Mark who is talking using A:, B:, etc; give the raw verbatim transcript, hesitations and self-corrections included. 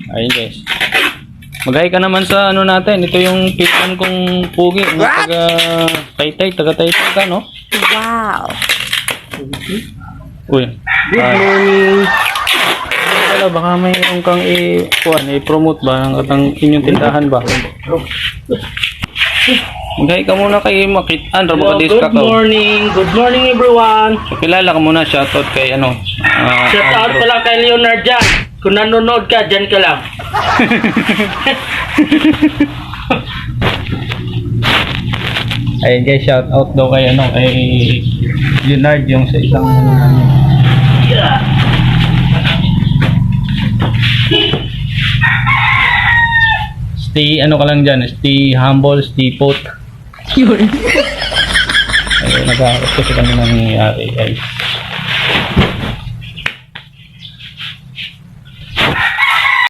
A: Ayun guys. Mag-hi ka naman sa ano natin. Ito yung pitan kong pugi. Ano, taga Taytay, taga Taytay ka, no?
B: Wow.
A: Uy.
C: Good
A: ah,
C: morning.
A: Wala, baka mayroon kang i- kuwan, i-promote ba ang atang inyong tindahan ba? Mag-hi ka muna kay Makitaan.
C: Hello,
A: Rabakadis ka
C: good
A: ka.
C: morning. Good morning everyone.
A: So, kilala ka muna. Shoutout kay ano. ah,
C: Shout out
A: Andrew.
C: pala kay Leonard dyan. Kung nanonood ka, dyan ka lang.
A: Ayun guys, shout out daw kay ano, kay Leonard yung sa isang ano namin. Stay ano ka lang dyan, stay humble, stay put.
B: Yun.
A: Ayun, nag-aarap kasi kami nangyayari guys.